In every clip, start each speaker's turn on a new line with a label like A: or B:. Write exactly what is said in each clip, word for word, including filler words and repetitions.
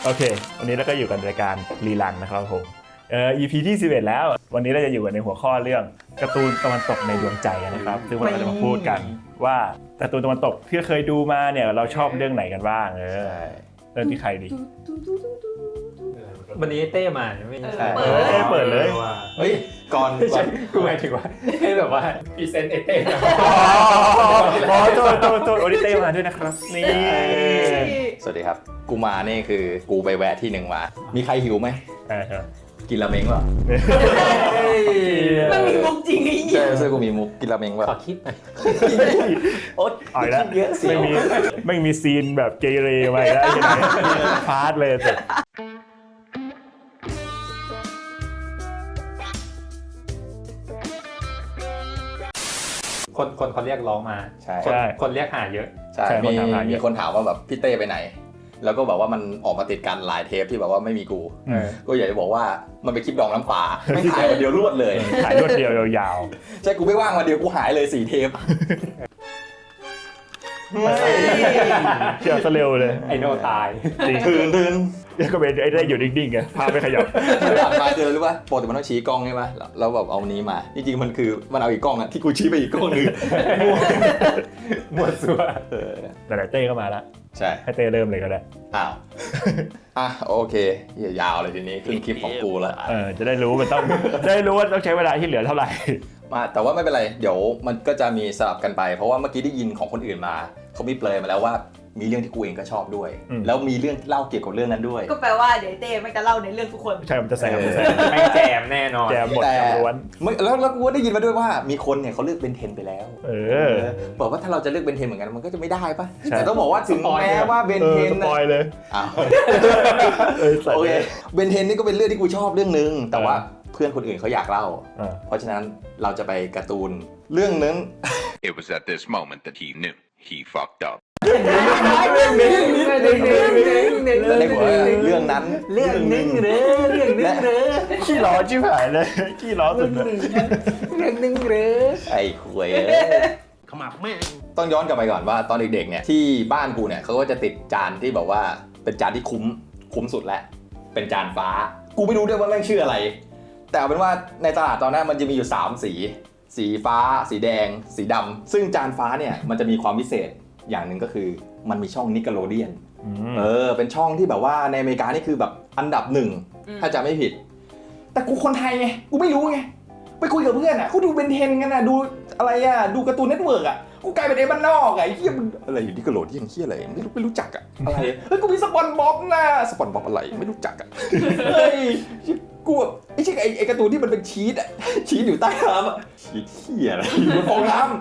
A: โอเควันนี้เราก็อยู่กันรายการรีลันนะครับผมเอ่อ อี พี ที่สิบเอ็ดแล้ววันนี้เราจะอยู่กันในหัวข้อเรื่องการ์ตูนตะวันตกในดวงใจนะครับซึ่งวันนี้เราจะมาพูดกันว่าการ์ตูนตะวันตกที่เคยดูมาเนี่ยเราชอบเรื่องไหนกันบ้างเออเริ่มที่ใครดี
B: วันนี้เต้มาไม่ใช่
A: เออเต้เปิดเลย
C: เฮ้ยก่อน
B: กูหมายถึงว่าให้แบบว่าพรีเซนต์ไอเต้
A: อ๋อโทษโทษโทษโอริเต้มาด้วยนะครับนี่
C: สวัสดีครับกูมานี่คือกูไปแวะที่หนึ่งมามีใครหิวไหมกินราเมงป่ะ
D: มันมีมุกจริงไอ้เหี้ย
C: ใช่ใช่กูมีมุกกินราเมงป่ะ
B: ขอคิดหน่อย
C: โอ๊ย
A: อ่อยแล้วไม่มีไม่มีซีนแบบเกเรไว้แล้วใช่ไหมฟาดเลยสุด
B: คนคนเขาเรียกร้องมา
C: ใช่
B: คนคนเรียกหาเยอะ
C: ใช่มีมีคนถามว่าแบบพี่เต้ไปไหนแล้วก็แบบว่ามันออกมาติดกันหลายเทปที่แบบว่าไม่มีกูก็อยากจะบอกว่ามันเป็นคลิปดองน้ำปลาไม่ถ่ายวันเดียวรวดเลย
A: ถ่ายรวดเดียวยาว
C: ๆใช่กูไม่ว่างวันเดียวกูหายเลยสี่เทป
A: เกี่ยวซะเร็วเลย
B: ไอโนตาย
C: ตื่นตื่น
A: ก็เป็นไอ้ได้อยู่นิ่งๆไงพาไปขยับ
C: มาเจอรู้ป่ะปกติมันต้องชี้กล้องใช่ป่ะแล้วแบบเอานี้มาจริงๆมันคือมันเอาอีกกล้องอะที่กูชี้ไปอีกกล้องนึง
B: มั่วซั่ว
A: แต่เต้ก็มาแล้ว
C: ใช่
A: ให้เต้เริ่มเลยก็ได้
C: อ้าวอ่ะโอเคยาวเลยทีนี้ขึ้นคลิปของกูแล้ว
A: เออจะได้รู้มันต้องได้รู้ว่าต้องใช้เวลาที่เหลือเท่าไหร่
C: มาแต่ว่าไม่เป็นไรเดี๋ยวมันก็จะมีสลับกันไปเพราะว่าเมื่อกี้ได้ยินของคนอื่นมาเขามีเปลยมาแล้วว่ามีเรื่องที่กูเองก็ชอบด้วยแล้วมีเรื่องเล่าเกี่ยวกับเรื่องนั้นด้วย
D: ก็แปลว่าเดี๋ยวเต้ไม่จะเล่าในเรื่องทุกคน
A: ใช่มันจะแซมมันจะแซม
B: ไม่แจมแน่นอน
A: แจมหมดแจมล้วน
C: แล้วแล้วกูก็ได้ยินมาด้วยว่ามีคนเนี่ยเขาเลือกเบนเทนไปแล้ว
A: เออ
C: บอกว่าถ้าเราจะเลือกเบนเทนเหมือนกันมันก็จะไม่ได้ป่ะแต่ต้องบอกว่าถึงแม้ว่าเบนเทน
A: สปอยเลย
C: อ้าวโอเคเบนเทนนี่ก็เป็นเรื่องที่กูชอบเรื่องนึงแต่ว่าเพื่อนคนอื่นเขาอยากเล่าเพราะฉะนั้นเราจะไปการ์ตูนเรื่องนึง
E: It was at this moment that he knew he fucked up
C: ในหัวเรื่องนั้น
B: เรื่องนึงเด้อเรื่องนึงเด้อ
A: ขี้ล้อชิบหายเลยขี้ล้อสุดเลย
B: เรื่องนึงเด้อ
C: ไอ้คุยขมับแม่ต้องย้อนกลับไปก่อนว่าตอนเด็กๆเนี่ยที่บ้านกูเนี่ยเขาก็จะติดจานที่แบบว่าเป็นจานที่คุ้มคุ้มสุดแล้วเป็นจานฟ้ากูไม่รู้ด้วยว่าแม่งชื่ออะไรแต่เอาเป็นว่าในตลาดตอนนั้นมันจะมีอยู่สามสีสีฟ้าสีแดงสีดำซึ่งจานฟ้าเนี่ยมันจะมีความพิเศษอย่างหนึ่งก็คือมันมีช่องนิกเกโลเดียนเออเป็นช่องที่แบบว่าในอเมริกานี่คือแบบอันดับหนึ่งถ้าจะไม่ผิดแต่กูคนไทยไงกูไม่รู้ไงไปคุยกับเพื่อนอ่ะเขาดูเบนเทนกันอ่ะดูอะไรอ่ะดูการ์ตูนเน็ตเวิร์กอ่ะกูกลายเป็นไอ้บ้านนอกอ่ะไอ้เหี้ยมันอะไรอยู่นิกเกโลเดียนเหี้ยอะไรไม่รู้ไม่รู้จักอ่ะอะไรเฮ้ยกูมีสปอนบ๊อบนะสปอนบ๊อบอะไรไม่รู้จักอ่ะเฮ้ยกูแบบไอ้ใช่ไอ้ไอ้การ์ตูนที่มันเป็นชีสอ่ะชีสอยู่ใต้น้ำอ่ะชีสเหี้ยอะไรอยู่บนฟองน้ำ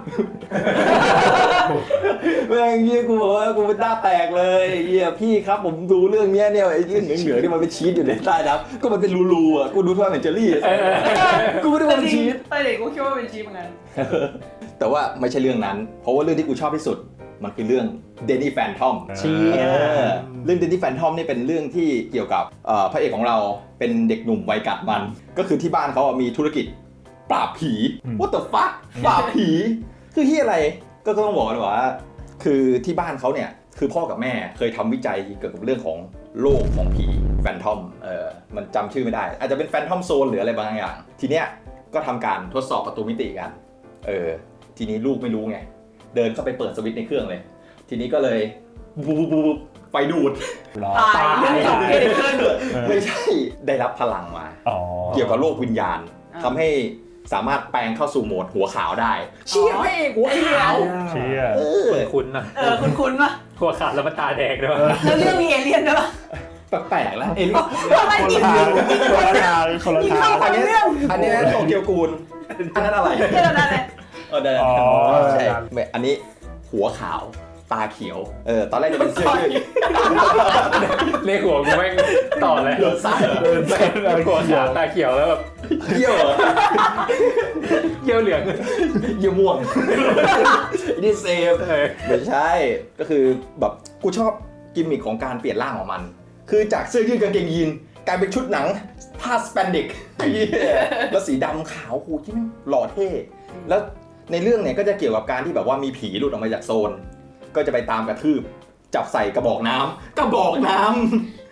C: แม่งเหี้ยกูบอกว่ากูเป็นหน้าแตกเลยเหี้ยพี่ครับผมดูเรื่องเนี้ยเนี่ยไอ้เรื่องเหนือๆที่มันเป็นชีสอยู่ในใต้น้ำก็มันเป็นรูๆอ่ะกูดูทั่วเหมือนเจอรี่กูไม่ได้ว่าเป็นชีส
D: ตอนเด็กกูคิดว่าเป็นชีสเหมือนกัน
C: แต่ว่าไม่ใช่เรื่องนั้นเพราะว่าเรื่องที่กูชอบที่สุดมันคือเรื่อง Danny Phantom
B: เชี่ย
C: เรื่อง Danny Phantom นี่เป็นเรื่องที่เกี่ยวกับพระเอกของเราเป็นเด็กหนุ่มวัยกัดมันก็คือที่บ้านเขามีธุรกิจปราบผี What the fuck ปราบผีคือที่อะไรก็ต้องบอกเลยว่าคือที่บ้านเขาเนี่ยคือพ่อกับแม่เคยทำวิจัยเกี่ยวกับเรื่องของโลกของผีแฟนทอมเออมันจำชื่อไม่ได้อาจจะเป็นแฟนทอมโซนหรืออะไรบางอย่างทีเนี้ยก็ทำการทดสอบประตูมิติกันเออทีนี้ลูกไม่รู้ไงเดินเข้าไปเปิดสวิตช์ในเครื่องเลยทีนี้ก็เลยบูบบูบไฟดูด
D: ตายเรื่องจบเกิดขึ้น
C: ไม่ใช่ได้รับพลังมาเกี่ยวกับโลกวิญญาณทำให้สามารถแปลงเข้าสู่โหมดหัวขาวได้เชี่ยไม่หัวขาว
A: เชี่ย
B: คุ้นๆนะ
D: เออคุ้นๆป่ะ
B: หัวขาวแล้วมันตาแดงด้วย
D: แล้วเรื่องมีเอเลี่ยนด้วยป่ะ
C: แปลกๆแล้วเอเลี่ยน
D: คนละ
A: ทางคนละทางคนละทาง
C: อันนี้อันนี้โตเกียวกูลอันนั้นอะไร
D: เรื่องนั้นเลย
C: เออได้ใช่อันนี้หัวขาวตาเขียวเออตอนแรกจะเป็นเสื้อยืด
B: ในหัวกูแม่งต่อเลย
C: เดินซ้ายเดินซ้าย
B: หัวขาวตาเขียวแล้วแบบ
C: เยี่ยว
B: เยี่ยวเหลือง
C: เยี่ยวม่วงนี่เซฟไม่ใช่ก็คือแบบกูชอบกิมมิคของการเปลี่ยนร่างของมันคือจากเสื้อยืดกางเกงยีนกลายเป็นชุดหนังผ้าสแปนดิกแล้วสีดำขาวหูที่มันหล่อเท่แล้วในเรื่องเนี่ยก็จะเกี่ยวกับการที่แบบว่ามีผีหลุดออกมาจากโซนก็จะไปตามกระทืบจับใส่กระบอกน้ำกระบอกน้ำ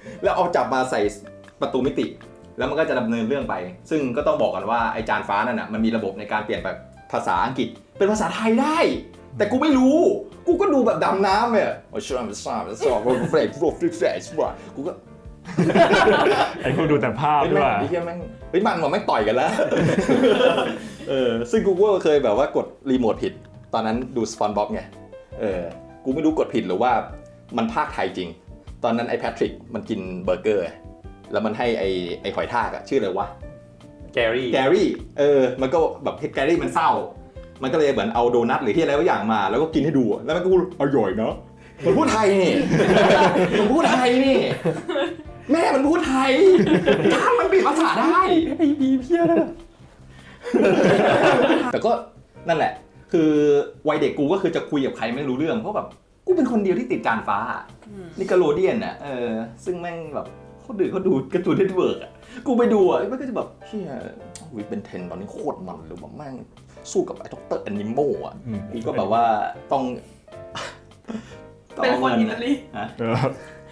C: แล้วเอาจับมาใส่ประตูมิติแล้วมันก็จะดำเนินเรื่องไปซึ่งก็ต้องบอกกันว่าไอจานฟ้านั่นน่ะมันมีระบบในการเปลี่ยนแบบภาษาอังกฤษเป็นภาษาไทยได้แต่กูไม่รู้กูก็ดูแบบดำน้ำเนี่ยโอ้ชอบชอบชอบเฟรชโฟร์เฟรชว่ะกูก็
A: ไอ้พวกดูแต่ภาพ
C: เฮ้ย
A: ด้
C: แม่
A: วย
C: งไอ้เหี้ยแม่งเฮ้ยมันมันไม่งต่อยกันแล้ว เออซึ่งกูก็เคยแบบว่ากดรีโมทผิดตอนนั้นดูสปอนบ็อกไงเออกูไม่รู้กดผิดหรือว่ามันภาคไทยจริงตอนนั้นไอ้แพทริกมันกินเบอร์เกอร์แล้วมันให้ไอ้ไอ้หอยทากอะชื่ออะไรวะ
B: แกรี่
C: แกรี่เออมันก็แบบแกรี่มันเศร้ามันก็เลยเหมือนเอาโดนัทหรือที่อะไรบางอย่างมาแล้วก็กินให้ดูแล้วมันก็พูดอร่อยเนาะมันพูดไทยนี่ มันพูดไทยนี่แม่มันพูดไทยถ้ามันเปลี่ยนภาษาได้ไอ้บีเพี้ยนะแต่ก็นั่นแหละคือวัยเด็กกูก็คือจะคุยกับใครไม่รู้เรื่องเพราะแบบกูเป็นคนเดียวที่ติดจานฟ้านิกาโลเดียนอ่ะเออซึ่งแม่งแบบเขาดูเขาดูการ์ตูนเน็ตเวิร์กอ่ะกูไปดูอ่ะมันก็จะแบบเชี่ยวิเป็นเทนตอนนี้โคตรมันเลยแบบแม่งสู้กับไอ้ด็อกเตอร์แอนิโมอ่ะกูก็แบบว่าต้อง
D: เป็นคนอิตาลี
C: ฮะ
A: เออ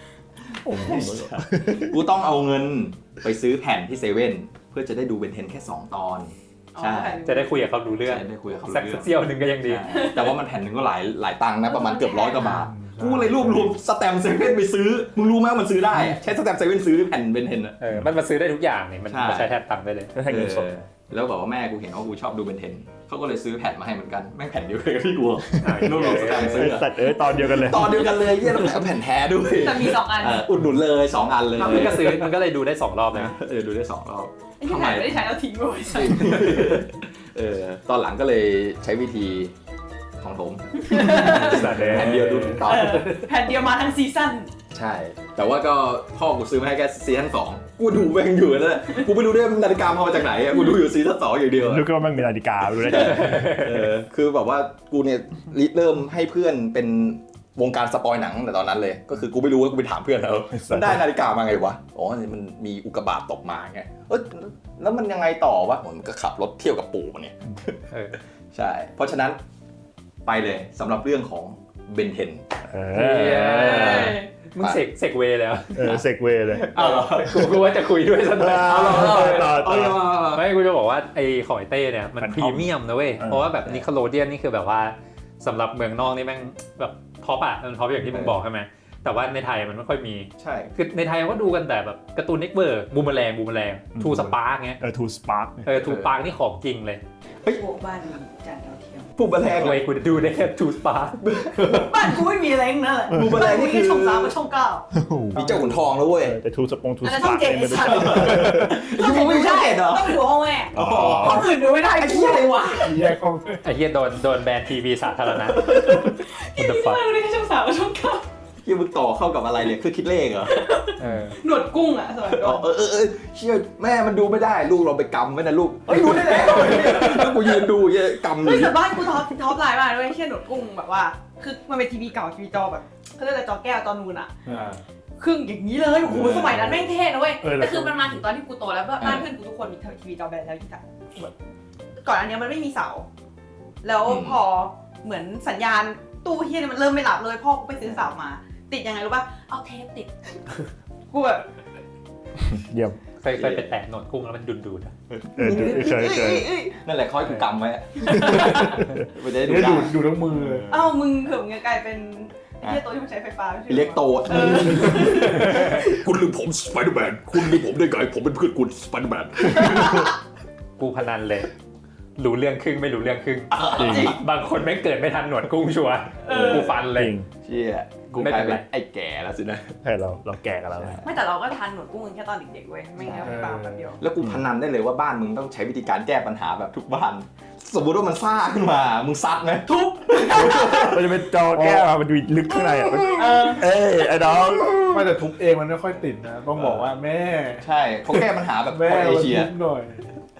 C: กูต้องเอาเงินไปซื้อแผ่นที่เซเว่นเพื่อจะได้ดูเบนเทนแค่สองตอนใช่
B: จะได้คุยกับเขารู้เรื่อง
C: ใช่ได้คุยกับเขา
B: สัก
C: รู้เรื่อง
B: เซี่ยวหนึ่งก็ยังดี
C: ใช่แต่ว่ามันแผ่นหนึ่งก็หลายหลายตังค์นะประมาณเกือบร้อยกว่าบาทกูเลยรวบรวมสแตมป์เซเว่นไปซื้อมึงรู้ไหมว่ามันซื้อได้อะใช้สแตมป์เซเว่นซื้อแผ่นเบนเทนอะ
B: เออ มันมาซื้อได้ทุกอย่างนี่มัน
C: ใช่
B: มาใช้แทนตังค์ได้เลย
A: ก็ให้เงินสด
C: เออแล้วแบบว่าแม่กูเห็นว่ากูชอบดูเบนเทนเขาก็เลยซื้อแผ่นมาให้เหมือนกันแม่งแผ่นเดียวกันกับที่กูรวบรวมสแตมป์ซื้ออะ
A: สัตว์เอ้ยตอนเดียวกันเลย
C: ตอนเดียวกันเลยเยี่ยแล้วแผ่นแท้ด้วย
D: แต่มีสองอัน
C: เอออุดหนุนเลยสองอันเลย
B: มันก็ซื้อมันก็เลยดูได้สองรอบเลย
C: เออดูได้สองรอบ
D: ไอ้ที่แผ่นไม่ได้ใช้แล้วทิ้งไว้ใช่
C: เออตอนหลังก็เลยใช้วิธีของผม
A: สัตว์เอ้
C: แผ่นเดียวดูทุกตอน
D: แผ่นเดียวมาทั้งซีซั่น
C: ใช่ แต่ว่าก็พ่อกูซื้อมาให้แค่ซีซั่นสองกูดูแม่งอยู่นั่นแหละกูไม่รู้ด้วยนาฬิกามาจากไหนอะกูดูอยู่ซีซั่นสองอย่างเดียวอะ
A: นึกว่ามันมีนาฬิกาดูได้จัง
C: เออคือแบบว่ากูเนี่ยริเริ่มให้เพื่อนเป็นวงการสปอยหนังตั้งแต่ตอนนั้นเลย ก็คือกูไม่รู้ว่ากูไปถามเพื่อนแล้วมันได้นาฬิกามาไงวะอ๋อมันมีอุกกาบาตตกมาไงเออแล้วมันยังไงต่อวะมันก็ขับรถเที่ยวกับปู่มันเนี่ย
B: เออ
C: ใช่ เพราะฉะนั้นไปเลยสำหรับเรื่องของเบนเทน
A: เอ
B: เอ
A: อ
B: มึงเสกเสกเวย์แล้ว
A: เออเซกเวย์เลย
C: เอาเหรอ
B: กูกูว่าจะคุยด้วยสักหน่อย
A: เอาเหรอต่อต่อ
B: ไม่กูจะบอกว่าไอ้ของไอ้เต้เนี่ยมัน
A: มัน
B: พรีเมียมนะเว้ย
A: เออ
B: เพราะว่าแบบนิโคโลเดียนนี่คือแบบว่าสำหรับเมืองนอกนี่แม่งแบบท็อปอะมันท็อปอย่างที่มึงบอกใช่ไหมแต่ว่าในไทยมันไม่ค่อยมี
C: ใช่
B: คือในไทยก็ดูกันแต่แบบการ์ตูนเน็กเบิร์กบูมเมอแรงบูมเมอแรงทูสปาร์กเงี้ย
A: เออทูสปาร์ก
B: เออทูปาร์กนี่ของจริงเลย
D: พวกบ้านมีจานดาวเทียม
C: ผู้บันแรง
B: เว้ยกูดูได้แค่ทูสปาร์ก
D: บ้านกูไม่มีอะไรทั้งนั่นแหละ
C: บูมเบอร์แรงนี่คือ
D: ช่องสามกับช่องเก้า
C: มีเจ้าขุนทองแล้วเว้ย
A: แต่ทูสปงทู
D: อัน
A: ส
D: นั้น
A: ปา
D: ช่อง
A: ร์ก
D: เจ็ดไอ้สัตว์
C: ยูไม่มีช่องเจ็ดเหรอ
D: ต้องดูห้องแม่
A: อ๋อ
D: ห้องอื่นดูไม่ได้
C: ไอ้เหี้ยอะไรวะ
A: แยกห้อง
B: ไอ้เฮียโดนโดนแบนทีวีสาธารณะ
D: ที่นี่มาดูได้แค่ช่องสามกับช่องเก้า
C: ที่มึงต่อเข้ากับอะไรเนี่ยคือคิดเลขเหรอ
B: เออ
D: หนวดกุ้งอ่ะสมัยก่
C: อ๋
D: อ
C: อน เออเออเออเชื่อแม่มันดูไม่ได้ลูกเราไปกำไว้นะลูกเฮ้ยดูได้แล้วแล้วกูยืนดูเนี่ยกำอ
D: เฮ้ย
C: ยู่
D: แต่บ้านกูท็อปท็อปไลน์มากด้วยเช่นหนวดกุ้งแบบว่า คือมันเป็นทีวีเก่าทีวีจอแบบเขาเรียกอะไรจอแก้วจอนูนอ่ะครึ่งอย่างนี้เลยโอ้โหสมัยนั้นแม่งเท่นะเว้ยแต่คือมันมาถึงตอนที่กูโตแล้วบ้านเพื่อนกูทุกคนมีทีวีจอแบนแล้วที่ถ่ายแบบก่อนอันเนี้ยมันไม่มีเสา แล้วพอเหมือนสัญญาณตู้เฮียเนี่ยมันเริ่มไม่หลับเลยพ่อกูไปซื้อเสามา ติดยังไงรู้ป่ะเอาเทปติดกูแบบ
A: เยี่ยม
B: เคยเคยไปแตะหนวดกุ้งแล้วมันดุนดูดอะ
A: เออดูเคยเคย
C: นั่นแหละคอยกูกำไว้ไม่ได้ดู
A: ดู
C: ได้
A: ดูทั้งมือ
D: เอ้ามึงเผื่อมึงจะกลายเป็นไอ้เฮียตัวที่มันใช้ไฟฟ้าไม่ใช่หรอ
C: เรียกโต
D: เออ
C: คุณลืมผมสไปเดอร์แมนคุณลืมผมได้ไงผมเป็นเพื่อนคุณสไปเดอร์แมน
B: กูพนันเลยรู้เรื่องครึ่งไม่รู้เรื่องครึ่ง
A: จริง
B: บางคนไม่งเกิดไม่ทันหนวดกุ้งชัวร์กูฟัน
A: จ
B: เลย
A: ริง
C: เชี่ยกูกลายเป็นไอ้แก่แล้วสินะ
A: ใช่เราเราแก่กันแล้วนะ
D: ไม่แต่เราก็ทานหนวดกุ้งกันแค่ตอนเด็กๆเว้ยไม่งั้นไม่ปาแบบเดียว
C: แล้วกูพนันได้เลยว่าบ้านมึงต้องใช้วิธีการแก้ปัญหาแบบทุกบ้าน สมมติว่ามันซ่าขึ้นมา มึงซัดไหมทุบ
A: มันจะเป็นจอแก้วอะมันดูลึกข้างในอ่ะเอ้ยไอ้น้อง
F: ไม่แต่ทุบเองมันไม่ค่อยติดนะ ต้องบอกว่าแม่
C: ใช่เขาแก้ปัญหาแบบ
F: แม่
C: คนเอ
F: มา
C: เชีย
F: ทุบหน่อย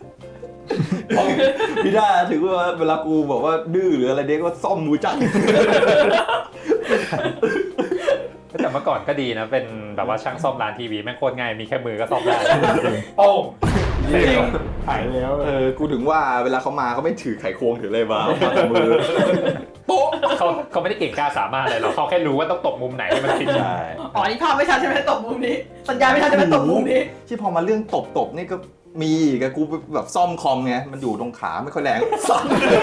C: พี่ด้าถือว่าเวลากูบอกว่าดื้อหรืออะไรเด็กก็ซ่อมมือจัง
B: แต่เมื่อก่อนก็ดีนะ เป็นแบบว่าช่างซ่อมร้านทีวีแม่งโคตรง่ายมีแค่มือก็ซ่อมได้
F: โอ้จริงหายแล้ว
C: เออ กูถึงว่าเวลาเขามาเขาไม่ถือไขควงถืออะไรมาเอามาแต่มือโป๊ะ
B: เขาเขาไม่ได้เก่งกล้าสามารถอะไรหรอกเขาแค่รู้ว่าต้องตบมุมไหนให้มันติด
C: ใช่
D: อ๋อนี่ภาพไม่ชัดใช่ไหมตบมุมนี้ สัญญาณไม่ชัดใช่ไหมตบมุมนี้
C: ที่พอมาเรื่องตบตบนี่ก็มีกับกูแบบซ่อมคอมไงมันอยู่ตรงขาไม่ค่อยแรงสั่น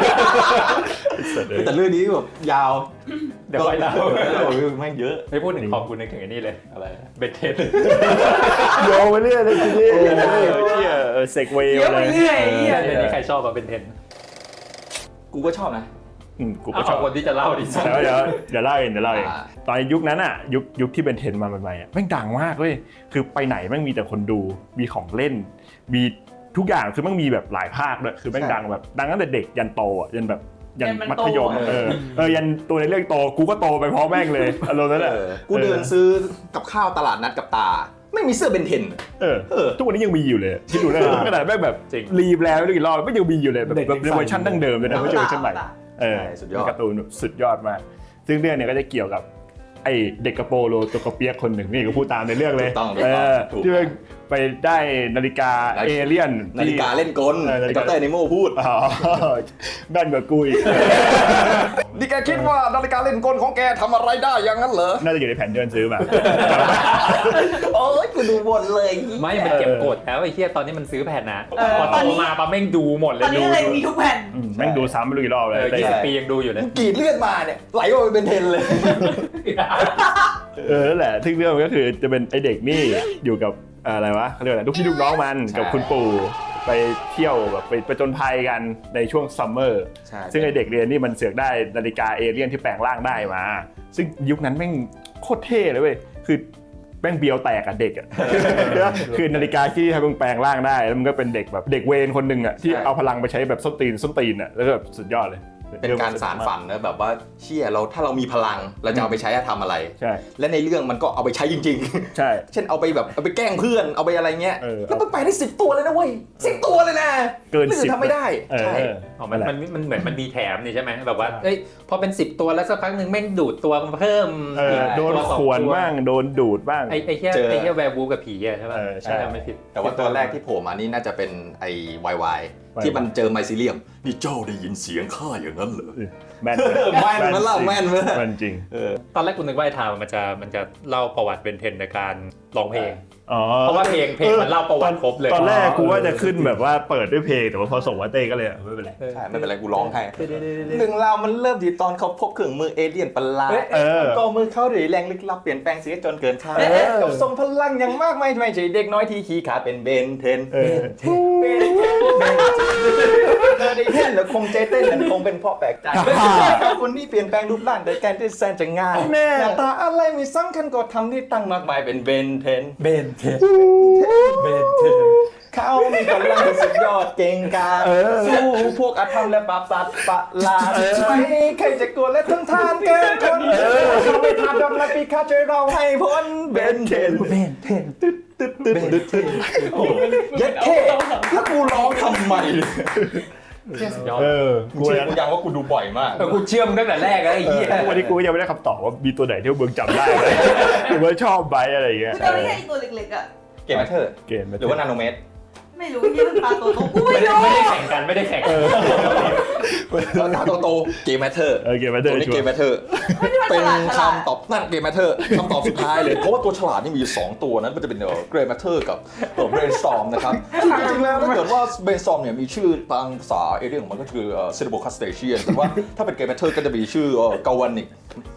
C: แต่เรื่องนี้แบบยาว
B: เดี๋ยวไว้เล่า
C: โอ้ยแม่งเยอะ
B: ไม่พูดถึงคอมกูนึกถึงไอ้นี่เลยอะไรเบนเทน
A: โยงไปเรื่อยเลยทีนี้เชี่ยเซกเวย์
D: เยอะ
A: เล
D: ไป
A: ย
D: เรื่อยไอ้เหี้ย
B: เรื่องนี้ใครชอบอะเบนเทน
C: กูก็ชอบนะ
A: อืมกู
B: เอา
A: ก็ชอบ
B: คนที่จะเล่าดิ
A: เดี๋ยวเดี๋ยวเดี๋ยวเล่าเองเดี๋ยวเล่าเอง
C: อ่า
A: ตอนยุคนั้นอ่ะยุคยุคที่เป็นเทรนด์มาใหม่ๆอ่ะแม่งดังมากเว้ยคือไปไหนแม่งมีแต่คนดูมีของเล่น มีทุกอย่างคือแม่งมีแบบหลายภาคด้วยคือแม่งดังแบบดังตั้งแต่เด็กยันโตอ่ะยันแบบยันมัธยมเออเออยันตัวในเรื่องโตกูก็โตไปพร้อมแม่งเลยอารมณ์นั้นแหละ
C: เออกูเดินซื้อกับข้าวตลาดนัดกับตา ไม่มีเสื้อเบนเทน
A: เออ
C: เออ
A: ทุกวันนี้ยังมีอยู่เลยคิดดูได้ขนาดแม่งแบบรีแบรนด์ไม่กี่รอบไม่ยังมีอยู่เลยแบบแบบในเวอร์ชันดั้งเดิมเลยนะไม่ใช่เวอร์ชันใหม่เออ
C: ใช่สุดยอด
A: เป็นการ์ตูนแบบสุดยอดมากซึ่งเรื่องเนี้ยก็จะเกี่ยวกับไอเด็กกระโปโลตัวกระเปียกคนหนึ่งนี่ก็พูดตามในเรื่องเลย
C: ถูกต้อง
A: เออ
C: ถูก
A: ที่มันไปได้นาฬิกา
C: นาฬิ
A: เอก
C: า
A: เลี่ยน
C: นาฬิกาเล่นกล
A: เออนาฬิ
C: ไอ้
A: กา
C: ดรเนโมพูด
A: อ๋อแม่นกว่ากูอีก
C: นี่แกคิดว่านาฬิกาเล่นกลของแกทำอะไรได้อย่างนั้นเหรอ
A: น่าจะอยู่ในแผนเดินซื้อมา
C: โอ้ยกูดูบนเลย
B: ไม่มันเก็บกดแล้วไอ้เหี้ยตอนนี้มันซื้อแผ่นนะ
D: เออ
B: พอ
D: ตอน
B: โต
D: นี้
B: มาปั๊บแม่งดูหมดเล
D: ตอย นนี้
B: ดู
D: เลยมีทุกแผ่น
A: อืมแม่งดูซ้ำไม่รู้กี่รอบเลย
B: เออ
A: แต่
B: ยี่สิบปียังดูอยู่เลย
C: กรีดเลือดมาเนี่ยไหลออกไปเป็นเทนเลย
A: เออนั่นแหละซึ่งเรื่องมันก็คือจะเป็นไอเด็กนี่อยู่กับอะไรวะเขาเรียกว่าอะไรลูกพี่ลูกน้องมัน
C: ใช่
A: กับคุณปู่ไปเที่ยวแบบไปไปจนภัยกันในช่วงซัมเมอร์
C: ใช่
A: ซึ่งไอเด็กเรียนนี่มันเสือกได้นาฬิกาเอเลี่ยนที่แปลงร่างได้มา ซึ่งยุคนั้นแม่งโคตรเท่เลยเว้ยคือแม่งเบียวแตกอะเด็กอะ คือนาฬิกาที่ให้มึงแปลงร่างได้แล้วมันก็เป็นเด็กแบบเด็กเวรคนหนึ่งอะที่เอาพลังไปใช้แบบส้นตีนส้นตีนอะแล้วก็แบบสุดยอดเลย
C: เป็นการสารฝันนะแบบว่าเชี่ยเราถ้าเรามีพลังเราจะเอาไปใช้ทำอะไร
A: ใช่
C: และในเรื่องมันก็เอาไปใช้จริง
A: ใช่
C: ๆ เช่นเอาไปแบบเอาไปแกล้งเพื่อนเอาไปอะไรเงี้ย
A: เออ
C: แล้วมันไปได้สิบตัวเลยนะเว้ยสิบตัวเลยนะ
A: เกิน
C: รื่อง
A: สิบ
C: ทำไม่ได้
A: เออ
C: ใช่
B: อ๋อมันมันมันเหมือนมันมีแถมนี่ใช่ไหมแบบว่าเอ้ยพอเป็นสิบตัวแล้วสักพักหนึ่งแม่งดูดตัวมันเพิ่ม
A: เออโดน
B: ตัวสอง
A: ขวน
B: ตัว
A: บ้างโดนดูดบ้าง
B: ไอ้ไอ้เหี้ย
C: เจอ
B: ไอ้เหี้ยแวร์บูฟกับผีอะใช่ป่ะ
A: เออใช่
B: ถ้าจำไม่ผิด
C: แต่ว่าตัวแรกที่โผล่มานี่น่าจะเป็นไอ้วายวายที่มันเจอไมซิเลียมนี่เจ้าได้ยินเสียงข้าอย่างนั้นเหรอ
A: แม่น
C: แม่นมันเล่าแม่นมั้ย
A: แม่นจริง
B: ตอนแรกกูนึกว่าไอ้ทาวมันจะมันจะเล่าประวัติเบนเทนในการร้องเพลง
A: อ๋อ
B: เพราะว่าเพลงเพลงมันเล่าประวัติครบเลย
A: ตอนแรกกูว่าจะขึ้นแบบว่าเปิดด้วยเพลงแต่ว่าพอส่งมาเต้ก็เลยไม่เป็นไร
C: ใช่ไม่เป็นไรกูร้องให้หนึ่งราวมันเริ่มที่ตอนเขาพบเครื่องมือเอเลี่ยนประหลาด
A: เออ
C: ก็มือเขาด้วยแรงลึกลับเปลี่ยนแปลงเสียจนเกินคาด
A: เออ
C: กับทรงพลังอย่างมากมายไม่ใช่เด็กน้อยที่ขี้ขาดเป็นเบนเทน
A: เออ
C: เบนเทนเบนเธอได้เห็นแล้วคงใจเต้นนั่นคงเป็นเพราะแปลกใจคนนี้เปลี่ยนแปลงรูปร่างโดยการที่แสนจะง่ายหน้าตาอะไรไม่สำคัญก็ทำที่ตั้งมากมายเป็นเบนเทน
B: เบนเทนเบนเทน
C: เขามีกำลังที่สุดยอดเก่งกาจสู้พวกอาธรรมและปราบสัตว์ประหลาดไม่ใครจะกลัวและทนทานเกินคนเขาไม่ทานดำและปีคาช่วยเราให้พ้นเบนเทนเบนเทนตึ๊ดตึ๊ดตึ๊ดตึ๊ดเทนโอ้ยัดเท่ถ้ากูร้องทำไม
B: ยอด
A: เออ
C: กูเชื่อกูยังว่ากูดูบ่อยมาก
B: เออกูเชื่อมงตั้งแต่แรกแล้วไอ้เหี้ย
A: วันนี้กูยังไม่ได้คำตอบว่ามีตัวไหนที่เบิร์กจำได้เลยหรือว่าชอบไบอะไรอย่างเงี้ย
D: คือตอนนี้ไอ้ตัวเล็กๆอ่ะ
C: เกมแมทเทอร์
A: เกม
C: หรือว่านาโนเมตร
D: ไม่รู้ที่มันปลาตัวโตกู
B: ไม่
D: ไม่
B: ได้
D: รู้
B: ไม่ได้แข่งกันไม่ได้แข่งกัน
C: ราคาโตๆเกมแมทเทอร์
A: เออเกมมาเตอ
C: ตัว
A: ร์
C: นี้
A: ชัว
C: เกม
A: ร์
C: แมทเทอร์เป็นคำตอบนั่นเกมแมทเทอร์คำตอบสุดท้ายเลยเพราะว่าตัวฉลาดนี่มีอยู่สองตัวนั้นมันจะเป็นเกรย์แมทเทอร์กับเบรนสตอร์มนะครับจริงๆแล้วถ้าเกิดว่าเบรนสตอร์มเนี่ยมีชื่อทางภาษาเอเรียของมันก็คือเซเลโบคัสเตเชียนแต่ว่าถ้าเป็นเกมแมทเทอร์ก็จะมีชื่อกาวานิก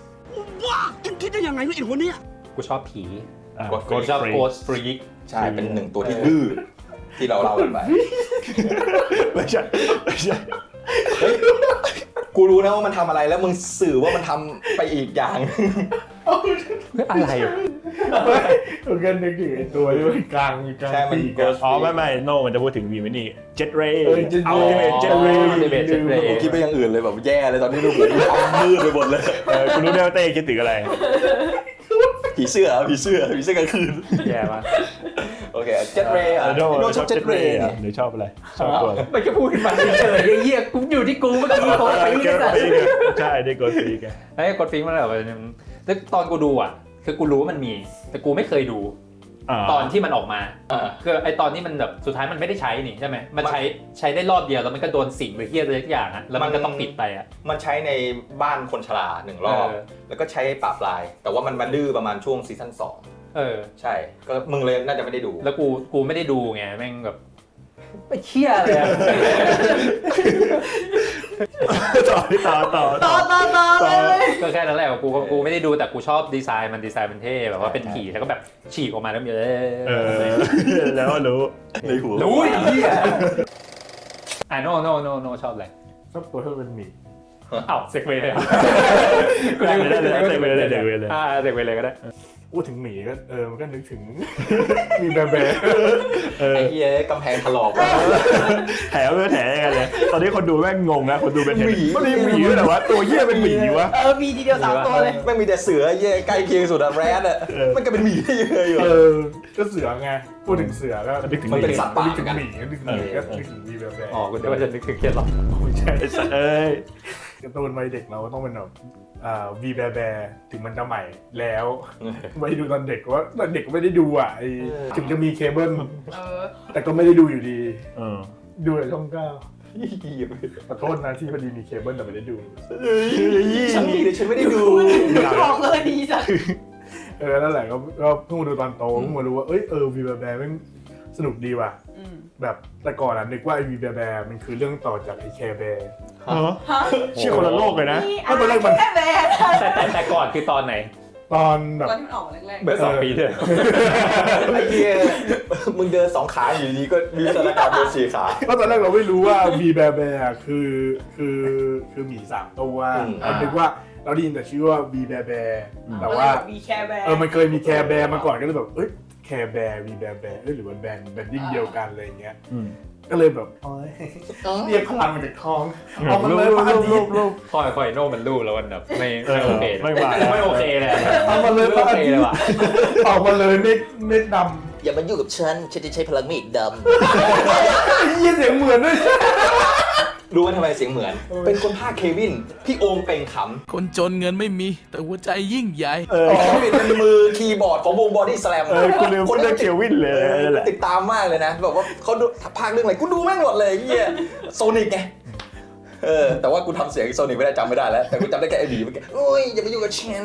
B: กูชอบผี
A: กด
B: กูชอบโกสฟรีก
C: ใช่เป็นหนึ่งตัวที่ดื้อที่เราเล่ากันไป
A: ไม่ใช่ไม่ใช่
C: กูรู้นะว่ามันทำอะไรแล้วมึงสื่อว่ามันทำไปอีกอย่าง
B: อะไร
F: มันก็นึกถึงไอ้ตัวที่มันกลางมีกลาง
C: ใช่มัน
F: ปีก
C: เกิ
F: อะ
C: ด
A: อ๋อไม่ไม่โนมันจะพูดถึงวีมินี่เจ็ตเรย์
F: เออ Jet Ray
A: เอาที่เป็นเจ็ตเรย์
B: Ultimate Jet Ray
C: ผมคิดไปอย่างอื่นเลยแบบแย่เลยตอนนี้ดูเหมือนมืดไปหมดเลย
A: เออคุณรู้ได้ว่าเต้คิดถึงอะไร
C: ผีเสื้อผีเสื้อผีเสื้อกลางคืน
B: แย่มาก
C: โอเคเจ็ตเรย์อ่ะ
A: โน
C: โนชอบเจ็ตเรย์
A: หรือชอบอะไรชอบตัวอะไร
B: มันก็พูดขึ้นมาเฉยๆไอ้เหี้ยกูอยู่ที่กูเมื่อกี้โค้ดไป
A: เก
B: นี่
A: ม
B: สัตว์
A: ปีกใช่ได้กดปีก
B: ไอ้กดฟิงมันแบบแล้วตอนกูดูอ่ะคือกูรู้ว่ามันมีแต่กูไม่เคยดูตอนที่มันออกมา
C: อ่า
B: คือไอตอนนี้มันแบบสุดท้ายมันไม่ได้ใช้นี่ใช่ไหมมันใช้ใช้ได้รอบเดียวแล้วมันก็โดนสิ่งหรือเฮี้ยอะไรสักอย่างอะแล้วมันก็ต้องปิดไปอะ
C: มันใช้ในบ้านคนชราหนึ่งรอบ
B: เออ
C: แล้วก็ใช้ปราบปลาย แต่ว่ามันมันดื้อประมาณช่วงซีซั่นสอง
B: เออ
C: ใช่ก็มึงเลยน่าจะไม่ได้ดู
B: แล้วกูกูไม่ได้ดูไงแม่งแบบไม่เชี่ยเลยอะ
A: ต่อต่อต่อ
D: ต่อต่อต่อเลย
B: ก็แค่นั้นแหละกูก็กูไม่ได้ดูแต่กูชอบดีไซน์มันดีไซน์มันเท่แบบว่าเป็นผีแล้วก็แบบฉีกออกมาแล้วมีเอ
A: เออแล้วรู้
C: ในหัว
B: รู้ไอ้เหี้ยอ่ะโนโนโนโนชอบอะไร
F: ชอบตัวที่เป็นหมี
B: อ้าวเซกเวย์เลย
A: กูได้เลยได้เลยได้เลยได้เลย
B: อ่าเซกเวย์เลยก็ได้
F: พูดถึงหมีก็เออมันก็นึกถึง มีแบแบ
A: เออ
C: ไอ้เหี้ยกำแพงถลอกว่ะ
A: แถวไม่แถยังไงเลยตอนนี้คนดูแม่งงงนะคนดูเป็นเห็นมันมีหมีด้วยเหรอวะตัวเหี้ยเป็นหมีวะ
D: เออมีทีเดียวสามตัวเลย
C: ไม่มีแต่เสือเหี้ยใกล้เคียงสุดอะแรดอะ
A: เออ
C: มันก็เป็นหมีได้ยังไงอยู่
F: เออก็เสือไงพูดถึงเสือก็
A: นึกถึง
C: มันเป็นสัตว์ป่า
F: นึก
C: เหมื
F: ถึ
C: อง นกัน
F: หมีก็นึกถึงหมีก็นึกถึงมีแบแบ
B: อ๋อคุณเดี๋ยวว่าจะนึกถึงเครียดหรอ
F: ไม่ใช่
A: ไอ้สัตว์เอ้ย
F: การ์ตูนวัยเด็กเราก็ต้องเป็นแบบอ่าวีแบแบถึงมันจะใหม่แล้วไม่ดูตอนเด็กว่าตอนเด็กก็ไม่ได้ดูอ่ะไอ้ถึงจะมีเคเบิล
D: เออ
F: แต่ก็ไม่ได้ดูอยู่ดี
A: เออ
F: ดูในช่องเก้าขอโทษนะที่พอดีมีเคเบิลแต่ไม่ได้ดู
C: ฉันมีแต่ฉันไม่ได้ดู
D: บอกเลยดีจ้ะ
F: เออนั่นแหละก็ก็เพิ่งมาดูตอนโตเพิ่งมารู้ว่าเอ้ยเออวีแบแบมันสนุกดีว่ะ
D: อืม
F: แบบแต่ก่อนอ่ะนึกว่าไอ้วีแบแบมันคือเรื่องต่อจากไอ้แคร์แบร์
A: ฮะ
D: ฮะ
A: เชื่อคนละโลกเลยนะ
D: นี่อะไรแค่แบน
B: แต่แต่แต่ก่อนคือตอนไหน
F: ตอนแบบ
D: ตอนที่มันออกมาแรก
B: เมื่อสองปีที่แล้ว
C: ไอ้เหี้ยมึงเดินสองขาอยู่ดีก็มีสถานการณ์เดินสี่ขา
F: ก็ตอนแรกเราไม่รู้ว่าวีแบแบร์คือคือคือหมีสามตัว
C: อืม
F: เราคิดว่าเราได้ยินแต่ชื่อว่าวีแบแบร์
D: ๆ
F: แต่ว่า
D: มีแค่แบน
F: เออมันเคยมีแคร์แบร์มาก่อนก็เลยแบบเอ้ยแคร์แบร์วีแบแบร์เอ้ยหรือว่าแบนแบนดิ้งเดียวกันอะไรอย่างเงี้ย
A: อืม
F: ก็เลยแบบเอ้ยเรียกพลังมาจากท้องออกมาเลยพระอาทิตย์
B: คอยคอยโน่มันรู้แล้วมันแบบไม่
A: เอ
B: ไม่
A: อ
B: โอเค
A: ไม่มา
B: ไม่โอเคเลย
F: เอามาเลยพ
B: ไม่
F: ระ
B: โอ
F: อา
B: เค
F: ทิต
B: เลย
F: ย์
B: ว่ะ
F: ออกมาเลยเม็ดเม็ดด
C: อย่ามายุ่งกับฉัน ฉันจะใช้พลังมีดด
F: ำยี่เสียงเหมือนด้วย
C: ำรู้ว่าทำไมเสียงเหมือน เป็นคนภาคเควิน พี่โอมเป่งข
G: คนจนเงินไม่มี แต่หัวใจยิ่งใหญ่
A: เออ
C: ำเควินเป็นมือคีย์บอร์ดของวงบอดี้สแลม
A: เออกูลืมพูดเรื่องเควินเลยนั่นแหละ
C: ติดตามมากเลยนะแบบว่าเขาดูภาคเรื่องอะไรกูดูแม่งหมดเลยไอ้เหี้ยโซนิกไงเออแต่ว่ากูทำเสียงโซนิกไม่ได้จำไม่ได้แล้ว แต่กูจำได้แค่ไอ้บีเมื่อกี้โอ้ยอย่าไปยุ่งกับฉัน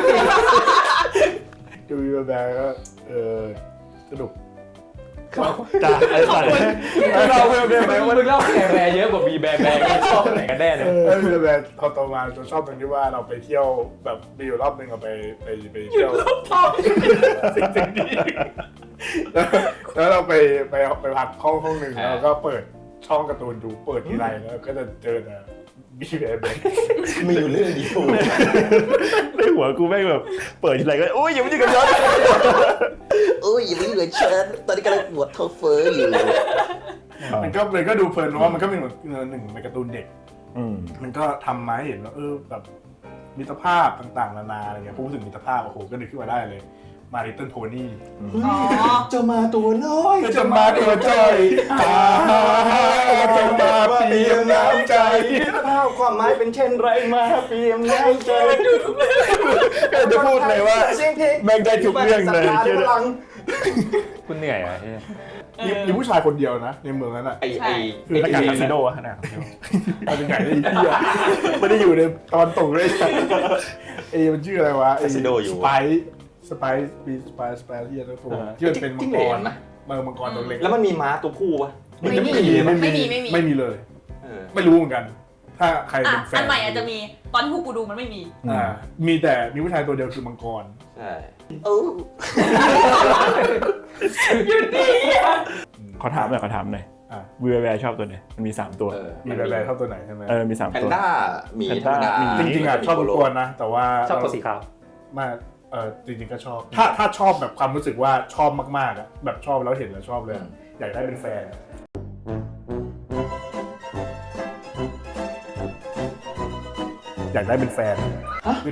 F: ดูวีแบแบร์ก็เออสนุก
A: จ้าไอ้สัตว์
F: เราเวลเดนไหมว่า
B: มึงเล่าแคร์แบร์เยอะกว่าบีแบร์แบร์ชอบไหนกันแน่เนี่ย
F: เออวีแบแบร์พอโตมาเราชอบตรงที่ว่าเราไปเที่ยวแบบมีอยู่รอบนึงเราไปไปไปเที่ยวสิ่งสิ่งนี้แล้วเราไปไปไปพักห้องห้องหนึ่งแล้วก็เปิดช่องการ์ตูนดูเปิดทีไรแล้วก็จะเจอแต่บีแบแบร์
C: มีอยู่เรื่องเดียว
A: ในหัวกูแม่งแบบเปิดทีไรก็โอ้ยอย่ามายุ่งกับย้อน
C: โอ้ยอย่าไปยุ่งกับฉันตอนนี้กำลังปวดท้องเฟ้ออยู่
F: มันก็เลยก็ดูเพลินเพราะว่ามันก็เป็นเหมือนหนึ่งในการ์ตูนเด็ก
A: อืม
F: มันก็ทำมาให้เห็นว่าเออแบบมิตรภาพต่างๆนานาอะไรเงี้ยพูดถึงมิตรภาพโอ้โหก็นึกขึ้นมาได้เลยมาริเติ้ลโพนี่
D: อ๋อ
C: จะมาตัวน้อย
F: จะมาตัวใจอ่าจะมาเปลี่ยนน้ำใจ
C: ข้าวความหมายเป็นเช่นไรมาเปลี่ยนน้ำใจ
A: ก็จะพูดเลยว่า
C: เสียงเพลง
A: แม่งได้ทุกเรื่องเลย
C: สถานพลัง
B: คุณเหนื่อยอ่ะเฮ้ย
F: มีมีผู้ชายคนเดียวนะในเมืองนั้นอ่ะ
C: ไอ้ไอ้
A: คือหน้ากากคาสิโนอะหน้ากากคาสิโน
F: มาจากไหนไอ้เหี้ยไม่ได้อยู่ในตอนตกเลยไอ้มันชื่ออะไรวะไอ้สไปสไปปีสไปสไปที่จะตัวที่มันเป็นมังกรนะเมืองมังกรตัวเล็ก
C: แล้วมันมีม้าตัวผู้ปะ
F: ไม่มีไม่มีไม่มีเลย
C: เออ
F: ไม่รู้เหมือนกัน ถ้าใคร
D: อ่ะ
F: เป็นแฟน
D: อันใหม่อาจจะมีตอนที่พวกกูดูมันไม่มี
F: อ่ามีแต่มีผู้ชายตัวเดียวคือมังกร
C: ใช่โอ้
A: ขอถามหน่อยขอถามหน่อย
F: อ่ะ
A: วีแวร์ชอบตัวไหนมันมีสามตัว
C: เออ
F: มีอะไรๆเท่าตัวไหนใช่ไหม
A: เออมีสาม
C: แพน
A: ตัว
C: ด้าหมี
A: แพน
C: ธร
A: ด้าร
C: มดา
A: หมี
F: จริงๆอ่ะชอบทุกตัวนะ แต่ว่า
B: ชอบตัวสีขาว
F: มาเออจริงๆก็ชอบ ถ้าถ้าชอบแบบความรู้สึกว่าชอบมากๆอ่ะแบบชอบแล้วเห็นแล้วชอบเลยอะอยากได้เป็นแฟน อยากได้เป็นแฟน
D: ฮะ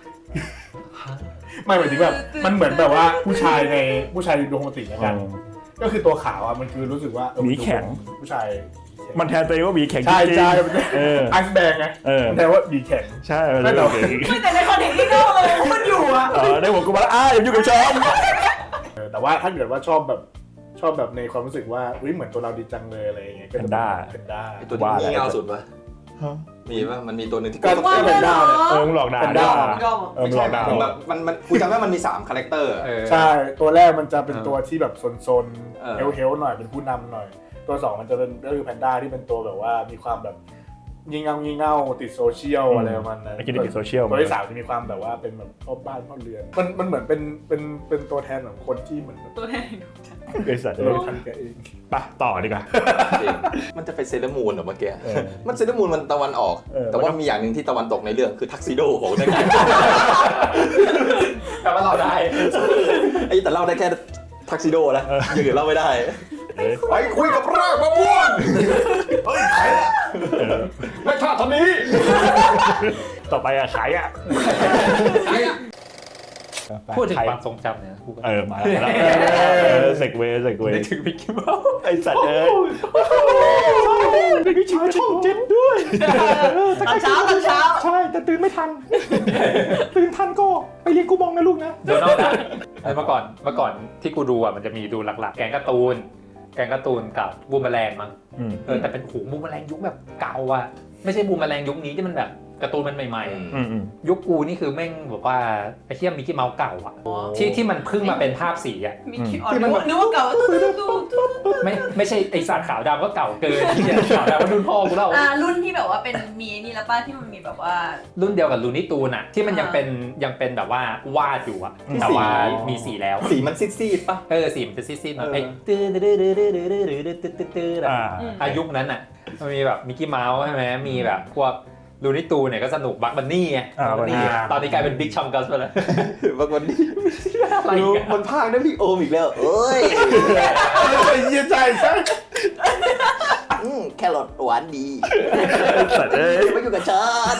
F: ไม่หมายถึงแบบมันเหมือนแบบว่าผู้ชายในผู้ชายโรแมนติกกัน ก็คือตัวขาวอ่ะมันคือรู้สึกว่าเออ
A: หมีแข็ง
F: ผู้ชาย
A: มันแทนตัวเองว่าหมีแข็งจ
F: ใช่
A: ริง
F: ใช่
A: ๆเออ
F: ไอซ์แบงไง
A: เออ
F: มันแปลว่าหมีแข็ง
A: ใช่มัน
F: ไม่
A: เป็น
F: แต่
A: หมีแข็ง
D: ไม่แต่ในคอนเทนต์ที่นอกเลยมันอยู่อ่ะ
A: เออในหัวกูมาแล้วอ้าอย่ายุ่งกับฉัน
F: เออแต่ว่าถ้าเกิดว่าชอบแบบชอบแบบในความรู้สึกว่าอุ้ยเหมือนตัวเราดีจังเลยอะไรอย่างเงี้ยก็จะเป็นแพนด้า
C: ไอ้ตัวที่งี่เง่าสุดปะมีปะมันมีตัวหนึ่งที่
F: ก็
D: ว่า
F: แพนด้าเนี่ย
A: เออมึงหลอกด่า
F: เป็น
A: ด้
F: ด่า
D: ยอม
A: เออ
C: ไม่
A: มึงหล
C: ใช่
A: อกด่า
C: มันแบบมันมันกูจำได้มันมีสามคาแรคเตอร์
B: เออ
F: ใช่ตัวแรกมันจะเป็น
B: เออ
F: ตัวที่แบบซน
C: เออ
F: ๆเฮลเฮลหน่อยเป็นผู้นำหน่อย ตัวสองมันจะเป็นก็คือแพนด้าที่เป็นตัวแบบว่ามีความแบบงี่เง่างี่เง่าติดโซเชียลอะไรประมาณนั้น
A: ไอ้กินติดโซเชียล
F: ตัวที่สามจะมีความแบบว่าเป็นแบบพ่อบ้านพ่อเรือนมันมันเหมือนเป็นเป็นเป็นตัวแทนของคนที่เหมือน
D: ตัวแทนดูจัง
A: ไอ้สัตว์
F: เรา
A: เลย
F: ทันแกเอง
A: ไปต่อดีกว่า
C: จริงมันจะไปเซเลอร์มูนเหรอเมื่อกี้
A: เออ
C: มันเซเลอร์มูนมันตะวันออก
A: เออ
C: แต่ว่ามีอย่างหนึ่งที่ตะวันตกในเรื่องคือทักซิโดของได้ไง
B: แต่ว่าเราได้
C: ไอ้แต่เล่าได้แค่ทักซิโดนะอย่างอื่นเล่าไม่ได้
A: เอ้ย
C: ไปคุยกับรากมะม่วง
F: เฮ้ยใครอะ
A: เออ
C: ไม่ท่าทำนี้
A: ต่อไปอะขายอะ
B: พูดถึง
A: ขาย
B: ความทรงจำเนี่ยพูดกัน
A: เออมาแล้วเออเซกเวย์เซกเวย์
B: นึกถึงมิกกี้เมาส์
A: ไอ้สัตว์เอ้ยเป็นวิชาช่องเจ็ดด้วย
D: ตอนเช้าตอนเช้า
A: ใช่แต่ตื่นไม่ทัน ตื่นทันก็ไปเรียนกูมองนะลูกนะ
B: โดนัลด์ดักเมื่อก่อนเมื่อก่อนที่กูดูอ่ะมันจะมีดูหลักๆ แกงการ์ตูน แกงการ์ตูนกับบูมแมลงมั้ง
A: อืม
B: เออแต่เป็นหูบูมแมลงยุคแบบเก่าอ่ะไม่ใช่บูมแมลงยุคนี้ที่มันแบบการ์ตูนมันใหม่
A: อืมอืม
B: ๆยุคกูนี่คือแม่งแบบว่าไอ้เทียมมิกกี้เมาส์เก่าอ่ะที่ที่มันเพิ่งมาเป็นภาพสีอ่ะ
D: มีคิดออกนึกว่านึกว่าเก่าตู้ตู้ตู้ตู้
B: ไม่ไม่ใช่ไอสัตว์ขาวดำก็เก่าเกินที่จะขาวดำก็รุ่นพ่อกูแล้ว
D: อ่ารุ่นที่แบบว่าเป็นมีนี่แล้วป้าที่มันมีแบบว่า
B: รุ่นเดียวกับลูนี่ตูนอะที่มันยังเป็นยังเป็นแบบว่าวาดอยู่อะแต่ว่ามีสีแล้ว
C: สีมันซีดๆปะ
B: เออสีมันจะซีดๆหน่อย
C: เออ
B: ไอ้ตื้อตื้อตื้อตื้อตื้อตื้อตื้อตื้อตื้อตื้ออะ
A: อ่า
B: อายุคนั้นอะมันมีแบบมิกกี้เมาส์ใช่ไหมมีแบบพวกลูนี่ตูนเนี่ยก็สนุกบัคบันนี่ไง
A: อ่า
B: บัคบันนี่
A: Bunny
B: ตอนนี้กลายเป็นบิ๊กชอมกัสไปแล้ว
C: บางวันนี้
B: อะไร
C: ดู
B: เงี้ย
C: มันพากย์ได้พี่โอมอีกแล้วเอ้ย
F: ไอ้เหี้ยใจใช่
C: อืมแครอทหวานดี
A: สัตว์เอ้ย
C: ไม่อยู่กับฉัน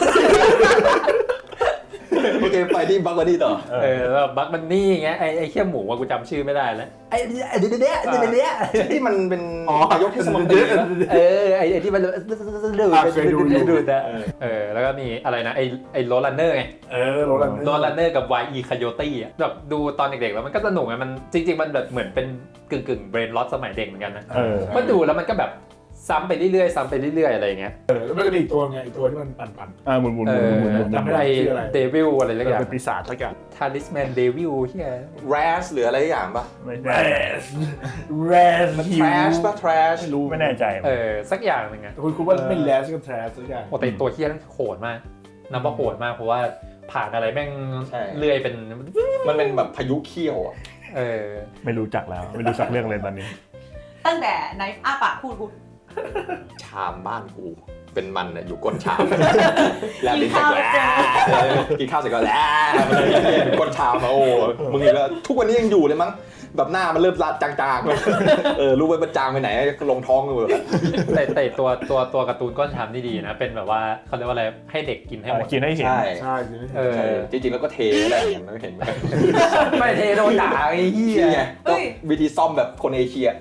C: โอเคไปที่บักวันนี้ต่อ
B: เออแบบบัคบันนี่ไงไอ้ไอ้เขี้ยหมูว่ากูจำชื่อไม่ได้แล้วไอ้ไอ้เดี๋ยวเดี๋ยวเดี๋ยวเดี๋ยว
C: ที่มันเป็น
F: อ๋อน
C: ายกเทศมนตรีนะ
B: เออไอ้ไอ้ที่มันดูดดูดดูดอะเออแล้วก็มีอะไรนะไอ้ไอ้โรลันเนอร์ไง
F: เออโรลัน
B: โรลันเนอร์กับ วาย อี Coyote อ่ะแบบดูตอนเด็กๆแล้วมันก็สนุกไงมันจริงๆมันแบบเหมือนเป็นกึ่งกึ่งเบรนล็อตสมัยเด็กเหมือนกันนะ
A: เออ
B: ก็ดูแล้วมันก็แบบซ้ำไปเรื่อยๆซ้ำไปเรื่อยๆอะไรอย่างเงี้ย
F: เออแล้วมันก็มีอีกตัวไงอีกตัวที่มันปั่น
A: อ่าหมุนหมุน
B: เอ
A: หมุน
B: อ
A: หมุนหมุน
F: จำไม่ได้
B: ไอ้
F: ชื่ออะไร
B: เดวิลอะไร
A: เอ
B: สัก
A: อ
B: อย่าง
A: เป็นปีศาจสักอย่าง
B: ทาริสแมนเดวิลเฮีย
C: แรสหรืออะไรอย่างปะ
A: ไม่
F: ๆ
A: แน่
F: แรส
C: มัน
F: ฮิ
C: แท
F: ว
C: รชปะแทรช
A: ไม่รู้ไม่แน่ใจ
B: เออสักอย่างหนึ่งอะ
F: คุณคุณว่าไม่แรสก็แทรสสักอย่าง
B: โอ้แต่ตัวเฮียนั่นโหดมากนับว่าโหดมากเพราะว่าผ่านอะไรแม่ง
C: ใช่
B: เลื่อยเป็น
C: มันเป็นแบบพายุเขี้ยวอ่ะ
B: เออ
A: ไม่รู้จักแล้ว ไม่รู้จักเรื่องเลยตอนนี้
D: ตั้งแต่ในอ้าปากพูดพูด
C: ชามบ้านกูเป็นมันน่ะอยู่ก้นชามแล้วลิ้น
D: กินข้าว
C: แหละเออกินข้าวเสร็จก็แล้วมันเลยอยู่ก้นชามมาโอ้มึงอีกแล้วทุกวันนี้ยังอยู่เลยมั้งแบบหน้ามันเริ่มละจางๆเลยเออรู้ไว้มันจางไปไหนลงท้องกันหมดแล้ว
B: แต่แต่ตัวตัวตัวการ์ตูนก้อนชามนี่ดีนะเป็นแบบว่าเขาเรียกว่าอะไรให้เด็กกินให้หมด
A: กินให้เห็น
C: ใช่
F: ใช่จริง
B: เออ
C: ใช่จริงๆแล้วก็เทอะไรอย่างเงี้ยไม่เห็นไหม
B: ไม่เทโดนด่าไอ้เหี้ย
C: นี่ไงก็วิธีซ่อมแบบคนเอเชีย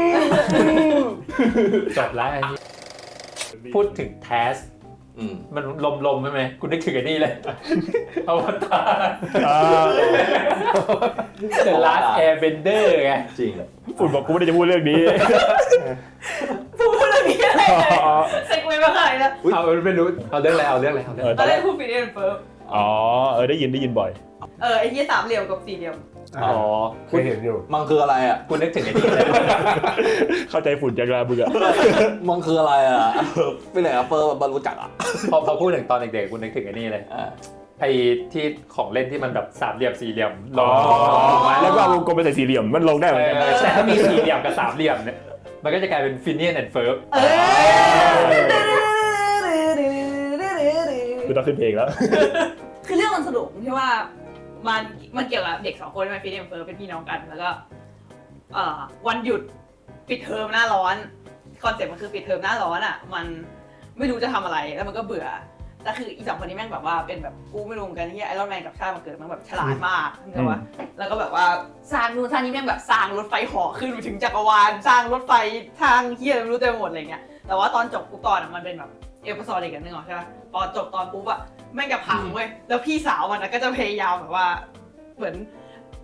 B: จบแล้วไอ้นี่พูดถึงแทส
C: อืม
B: มันลมๆใช่ไหมกูนึกถึงไอ้นี่เลยอวตาร
A: อ่า
B: The Last Airbender ไง
C: จริง
A: ฝุ่นบอกกูไม่ได้จะพูดเรื่องนี้
D: พูดพูดเรื่องนี้อะไรเลยเซ็กเวย์มาขนาดนี้แล้ว
B: เอาไม่รู้เอาเรื่องอะไรเอาเรื่องอะไรเอาเรื่อง
A: เออ
B: อะไร
D: ตอนแรกพูดฟินเอนเฟิร์ม
A: อ๋อเออได้ยินได้ยินบ่อย
D: เออไอ้ที่สามเหลี่ยมกับสี่เหลี่ยม
B: อ๋อ
F: เคยเห็นอยู่
C: มันคืออะไรอ่ะ
B: กูนึกถึงไอ้นี่เลย
A: เข้าใจฝุ่นจังเลยมึงอะ
C: มันคืออะไรอ่ะไปไหนอะเฟิร์มบรรลุจักอ่ะ
B: พอพอพูดถึงตอนเด็กๆกูนึกถึงไอ้นี่เลย
C: อ่า
B: ไอ้ที่ของเล่นที่มันแบบสามเหลี่ยมสี่เหลี่ยมล
A: อ๋
B: ง
A: อแล้วก็เอาวงกลมไปใส่สี่เหลี่ยมมันลงได้เหมือนกัน
B: แต่ถ้ามีสี่เหลี่ยมกับสามเหลี่ยมเนี่ยมันก็จะกลายเป็นฟินเนียนแอนด์เฟิร์ฟ
D: เออ
A: คือต้องขึ้นเพลงแล้ว
D: คือเรื่องมันสนุกที่ว่ามันมันเกี่ยวกับเด็กสองคนที่มาฟินเอนเฟิร์มเป็นพี่น้องกันแล้วก็เอ่อวันหยุดปิดเทอมหน้าร้อนคอนเซ็ปต์มันคือปิดเทอมหน้าร้อนอ่ะมันไม่รู้จะทำอะไรแล้วมันก็เบื่อแต่คืออีสองคนนี้แม่งแบบว่าเป็นแบบกูไม่รู้เหมือนกันที่ไอรอนแมนกับชาติมันเกิดมันแบบฉลาดมากใช่ปะแล้วก็แบบว่าสร้างนู่นสร้างนี้แม่งแบบสร้างรถไฟเหาะขึ้นไปถึงจักรวาลสร้างรถไฟทางเฮียอะไรไม่รู้เต็มไปหมดอะไรเงี้ยแต่ว่าตอนจบปุ๊บตอนอ่ะมันเป็นแบบเอพิโซดอีกอันนึงเหรอใช่ปะพอจบตอนปุ๊บอ่ะแม่งจะพังเว้ยแล้วพี่สาวมันก็จะพยายามแบบว่าเหมือน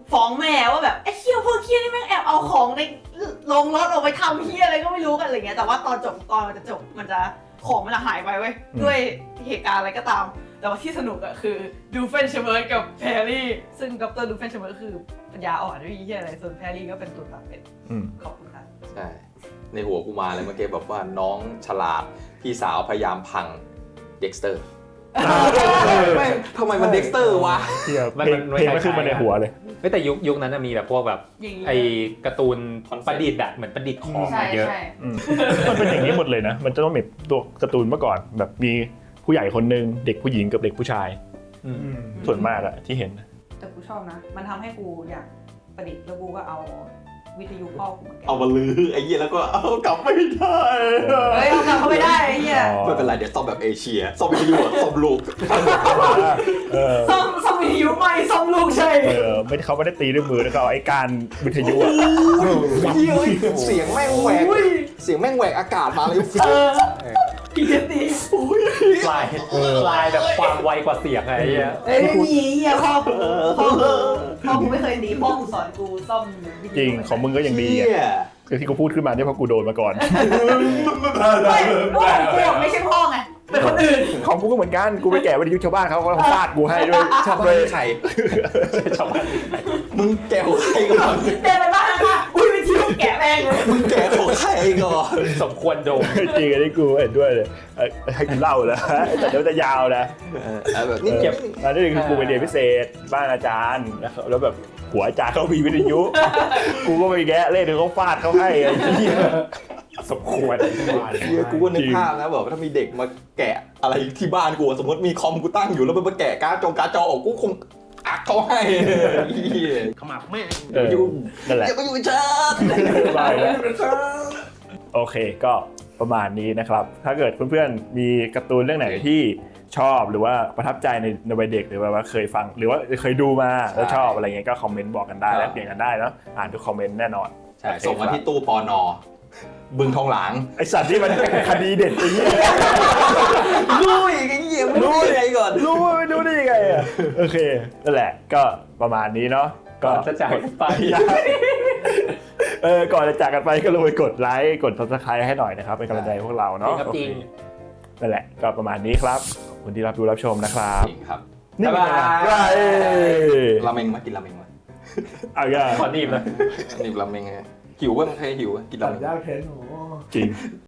D: ฟ้องแม่ว่าแบบไอ้เหี้ยพวกเหี้ยนี่แม่งแอบเอาของในลงรถออกไปทำเหี้ยอะไรก็ไม่รู้กันอะไรเงี้ยแต่ว่าตอนจบตอนมันจะจบมันจะของมันจะหายไปเว้ยด้วยเหตุการณ์อะไรก็ตามแต่ว่าที่สนุกอะคือดูเฟนเชเบิร์ดกับแพรรี่ซึ่งดรดูเฟนเชเบิร์ดคือปัญญาอ่อนไม่มีเหี้ยอะไรส่วนแพรรี่ก็เป็นตัวตัดเป็น
A: อืม
D: ขอบคุณค่ะ
C: ใช่ในหัวกูมาเลยเมื่อกี้แบบว่าน้องฉลาดพี่สาวพยายามพังเด็กสเตอร์ทำไมมันเด็กสเตอร์วะ
A: เที่ยเพลงเพลงไม่ขึ้นมาในหัวเลย
B: เฮ้ยแต่ยุคยุคนั้นนะมีแบบพวกแบบ
D: อย่างนี้
B: ไอการ์ตูนประดิษฐ์แบบเหมือนประดิษฐ์ของ
D: ใช่
B: มาเยอะ
D: ใช่
A: อืมมันเป็นอย่างนี้หมดเลยนะ มันจะต้องมีตัวการ์ตูนเมื่อก่อน แบบมีผู้ใหญ่คนหนึ่งเด็กผู้หญิงกับเด็กผู้ชาย
B: อืม
A: ส่วนมากอะที่เห็น
D: แต่กูชอบนะ มันทำให้กูอยากประดิษฐ์แล้วกูก็เอาวิทยุพ่อกูมาแกะ
C: เอามาลือไอ้เหี้ยแล้วก็เอากลับไม่ได้
D: เฮ้ยเอากลับเข้าไปได้ไอ้เหี้ย
C: ไม่เป็นไรเดี๋ยวซ่อมแบบเอเชียซ่อมวิทยุอะซ่อมลูก
A: เออ
D: ซ่อมซ่อมวิทยุใหม่ซ่อมลูกใช่
A: เออไม่เขาไม่ได้ตีด้วยมือนะเขาเอาไอ้การวิทยุอะ
C: เฮ้ยเสียงแม่งแหวกเสียงแม่งแหวกอากาศมาเลย
D: เออพีเอสดี
B: ลายลายแบบความไวกว่าเสียงอะไรเงี้ย
D: เอ้ยไม่มีไอ้เหี้ยพ่อกูพ่อกูพ่อกูไม่เคยตีพ่อกูสอนกูซ่อมวิทยุ
A: จริงของมึงก็ยังดี
C: เหี้
A: อะ
C: ย
A: คือที่กูพูดขึ้นมาเนี่ยเพราะกูโดนมาก่อน
D: ไม่พ่อกูอะไม่ใช่พ่อไงเป็นคนอื่น
A: ของกูก็เหมือนกัน กูไปแกะวิทยุชาวบ้านเขาเขาฟาดกูให้ด้วย
C: ชาวบ้าน
A: ด้วย
C: ใคร
B: ชาวบ้าน
C: มึงแกะของใครก่อน
D: เดินไปบ้านค่ะอุ้ยวิทยุแกะแม่งเลย
C: มึงแกะของใครก่อน
B: สมควรโดน
A: จริงอันนี้กูเห็นด้วยเลยเอ้ยให้กูเล่าแล้วแต่เดี๋ยวจะยาวนะ
C: เอาแบบนี้
A: เออ
C: เก็บ
A: อันนี้คือกูไปเรียนพิเศษบ้านอาจารย์แล้วแบบหัวอาจารย์เขามีวิทยุ กูก็ไปแกะเล่นเขาฟาดเขาให้ไอ้เหี้ย
B: สมควร
C: เหี้ยกูก็นึกภาพนะแบบว่าถ้ามีเด็กมาแกะอะไรที่บ้านกูสมมติมีคอมกูตั้งอยู่แล้วมันมาแกะการ์ดจอการ์ดจอออกกูคงอักเขาให้เหี้ย
F: ขมับแม่ง
A: เออนั่นแหละ
C: อย่ามาอยู่กับฉัน
A: บายแล้วโอเคก็ประมาณนี้นะครับ ถ้าเกิดเพื่อนๆมีการ์ตูนเรื่องไหนที่ชอบหรือว่าประทับใจในในวัยเด็กหรือว่าเคยฟัง หรือว่าเคยดูมาแล้วชอบอะไรเงี้ยก็คอมเมนต์บอกกันได้แลกเปลี่ยนกันได้แล้วอ่านทุกคอมเมนต์แน่นอน
C: ใช่ส่งมาที่ตู้ปอนอบึงทองหลาง
A: ไอสัตว์ที่มันเป็นคดีเด็ดไอ้เหี้ย
C: รู้อีกไอ้เหี้ยไม่รู้ยังไงก่อน
A: รู้ว่าไม่รู้ได้ยังไงอ่ะโอเคนั่นแหละก็ประมาณนี้เนาะ
B: ก่อนจะจากไป
A: เออก่อนจะจากกันไปก็ลงไปกดไลค์กด Subscribe ให้หน่อยนะครับเป็นกำลังใจให้พวกเราเนาะ
B: จริงครับจริง
A: โอเคนั่นแหละก็ประมาณนี้ครับขอบคุณที่รับดูรับชมนะครับ
C: จริงครับ
A: นี่เป็นไงล่ะ
B: บ๊ายบาย
A: เอ้ย
C: ราเมงมากินราเมงมา
A: เอาอย่า
B: ขอหนีบเลย
C: นี่ราเมงไงหิวเว้ยมึงใครหิวอะกินรา
F: ตัด
C: เมง
F: ยากเพ้นโอ้
A: จริง